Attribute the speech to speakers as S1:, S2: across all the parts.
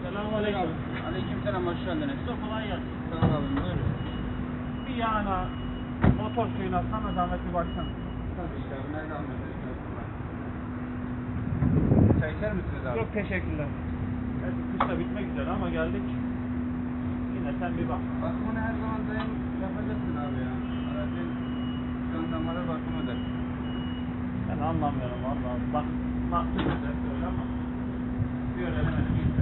S1: Selamünaleyküm.
S2: Aleykümselam, hoş geldiniz.
S1: Çok kolay gelsin.
S2: Sağ olun, buyurun.
S1: Bir yağına motor suyuna sana zahmet bir baksana.
S2: Tabii ki abi, nereden anlatıyorsunuz? Çay içer misiniz abi?
S1: Yok teşekkürler. Evet, kış da bitmek üzere ama geldik. Yine sen bir bak.
S2: Bakımını her zaman daim yapacaksın abi ya. Aracın son zamanı bakımıdır.
S1: Ben anlamıyorum vallahi. Bak, güzel öyle ama bir öğrenemedim işte.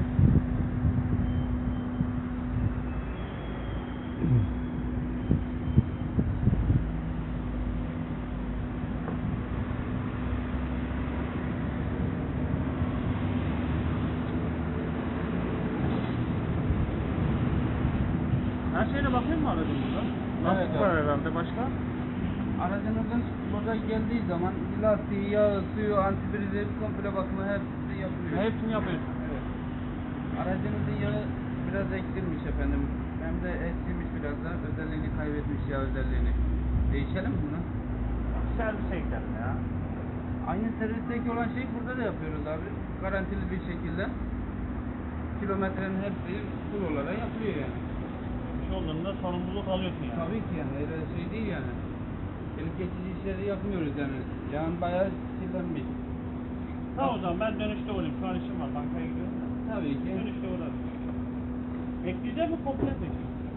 S1: Her şeyine bakayım mı aracımıza?
S2: Evet,
S1: Lastik var
S2: abi.
S1: herhalde başka?
S2: Aracınızın burada geldiği zaman lastiği, yağı, suyu, antifrizi, komple bakımı hepsini yapılıyor.
S1: Hepsini yapıyorsun.
S2: Evet. Aracınızın yağı biraz eksilmiş efendim. Hem de eskimiş biraz da. Özelliğini kaybetmiş, yağ özelliğini. Değişelim mi bunu?
S1: Servise gidelim ya.
S2: Aynı servisteki olan şeyi burada da yapıyoruz abi. Garantili bir şekilde. Kilometrenin hepsi full olarak yapılıyor yani.
S1: Bir şey olduğunda sorumluluk alıyorsun yani.
S2: Tabii ki yani öyle şey değil yani. Gelip geçici işleri yapmıyoruz yani. Yani bayağı kirlenmiş.
S1: Tamam o zaman ben dönüşte olayım. Şu an işim var. Bankaya gidiyorum da.
S2: Tabii ki.
S1: Dönüşte uğrarım. Ekleyecek mi komple mi?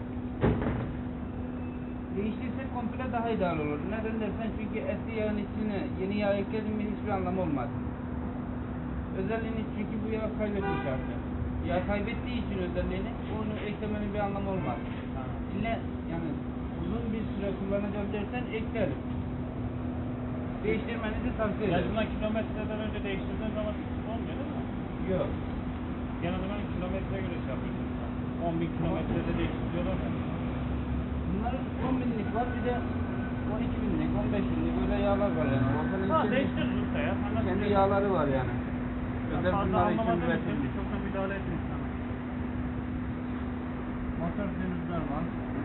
S2: Değiştirsek komple daha ideal olur. Neden dersen çünkü eski yağın içine yeni yağ ekledin mi hiçbir anlamı olmaz. Özelliğini çünkü bu yağ kaybetmiş artık. Yağ kaybettiği için özelliğini onu eklemenin bir anlamı olmaz.
S1: Ha.
S2: İlle yani uzun bir süre kullanacağım dersen eklerim. Değiştirmenizi tavsiye ederim.
S1: Yazılan kilometreden önce değiştirdiğin zaman sıkıntı olmuyor değil mi?
S2: Yok.
S1: Genelde ben kilometreye göre şey yapıyorum. 10.000 kilometrede değiştiriyorlar ya.
S2: Bunların 10 binlik var bir de 12 binlik, 15 binlik böyle yağlar var yani. Ortanın
S1: Ha
S2: kendi,
S1: değiştiririz usta ya. Sen nasıl
S2: kendi
S1: diyorsun?
S2: yağları var yani.
S1: Ben
S2: Özel
S1: fazla
S2: bunlar için
S1: anlamadığım için
S2: üretilmiş.
S1: çok da müdahale etmeyin sana.
S2: Motor suyumuz normal.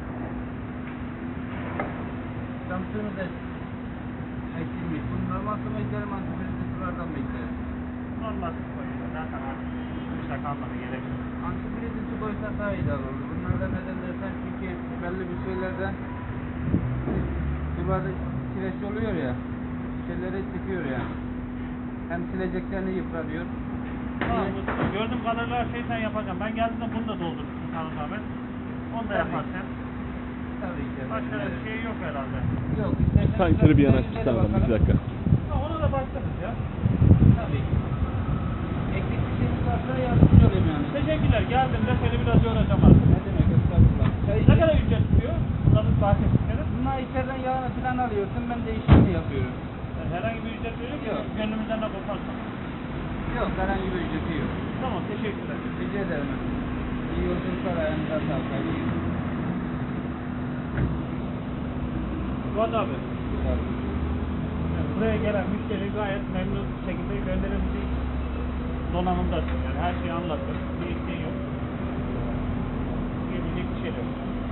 S2: Cam suyumuz da eksilmiş. Bunu normal su mu eklerim, antifrizli sulardan mı eklerim?
S1: Normal su koyuyor. Zaten artık kışta kalmadı gerek yok.
S2: Antifrizli su koysak daha ideal olur. Bunlardan neden dersen çünkü belli bir şeylerde sularda kireç oluyor ya, şeyleri çekiyor yani. Hem sileceklerini yıpratıyor.
S1: Tamam usta. Gördüğüm kadarıyla her şeyi sen yapacaksın. Ben geldiğimde bunu da doldurursun sana zahmet. Onu da
S2: Tabii.
S1: yaparsın.
S2: Tabii ki.
S1: Başka
S2: evet.
S1: bir şey yok herhalde.
S2: Yok. istersen
S3: Tankeri bir
S2: biraz
S3: yanaştırsana
S2: üzerine
S3: adam, bir
S2: bakalım.
S3: dakika.
S1: Ha, ona da başlarız ya.
S2: Tabii ki. Eksik bir şeyiniz varsa yardımcı olayım yani.
S1: Teşekkürler. Geldiğimde seni biraz yoracağım artık.
S2: Ne demek, estağfurullah.
S1: Ne kadar ücret tutuyor? Bunların bahsettikleri.
S2: Bunlar içeriden yağını falan alıyorsun, ben de işini yapıyorum.
S1: Yani herhangi bir ücret veriyor mu?
S2: Yok.
S1: Gönlümüzden de koparsan.
S2: Yok, herhangi bir ücreti yok.
S1: Tamam teşekkürler.
S2: Rica ederim. İyi yolculuklar, ayağınıza sağlık. Hayırlı günler.
S1: Fuat abi. Yani buraya gelen müşteri gayet memnun bir şekilde gönderebilecek donanımdasın. Yani her şeyi anlattın. Bir isteğin yok. Diyebilecek bir şey de yok.